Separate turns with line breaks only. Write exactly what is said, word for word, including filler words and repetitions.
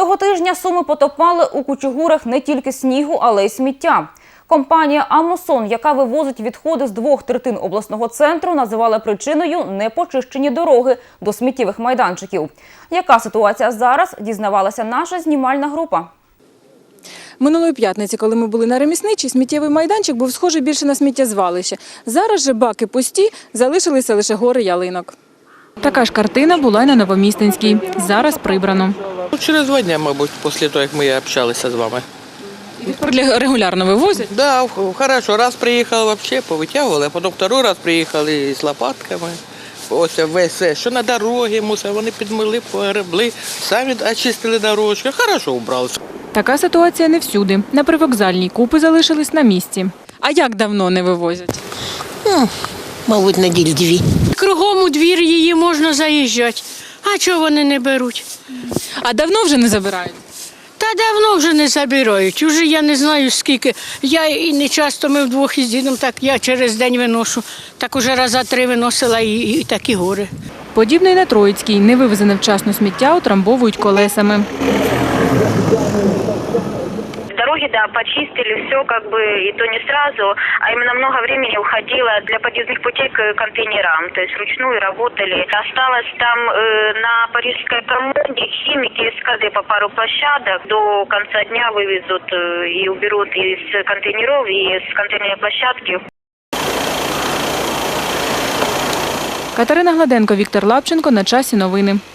Цього тижня Суми потопали у кучугурах не тільки снігу, але й сміття. Компанія «Амусон», яка вивозить відходи з двох третин обласного центру, називала причиною непочищені дороги до сміттєвих майданчиків. Яка ситуація зараз, дізнавалася наша знімальна група.
Минулої п'ятниці, коли ми були на Ремісничій, сміттєвий майданчик був схожий більше на сміттєзвалище. Зараз же баки пусті, залишилися лише гори ялинок. Така ж картина була й на Новомістинській. Зараз прибрано.
Через два дні, мабуть, після того, як ми общалися з вами.
Регулярно вивозять?
Так, да, хорошо. Раз приїхали, взагалі повитягували, а потім другий раз приїхали з лопатками. Ось весь, що на дорогі мусор, вони підмили, погребли, самі очистили дорожки. Хорошо убралися.
Така ситуація не всюди. На привокзальній купи залишились на місці. А як давно не вивозять?
Ну, мабуть, неділь дві.
Кругом у двір її можна заїжджати. А чого вони не беруть?
А давно вже не забирають?
Та давно вже не забирають. Уже я не знаю скільки. Я і не часто, ми вдвох із дідом, так я через день виношу. Так уже раза три виносила і, і такі гори.
Подібно й на Троїцькій. Невивезене вчасно сміття утрамбовують колесами.
Дороги, да, почистили, все как бы, и то не сразу, а именно много времени уходило для подъездных путей к контейнерам, то есть вручную работали. Осталось там э, на Парижской коммуне химики из ка дэ по пару площадок до конца дня вывезут э, и уберут из контейнеров, и с контейнерной площадки.
Катерина Гладенко, Віктор Лапченко. На часі новини.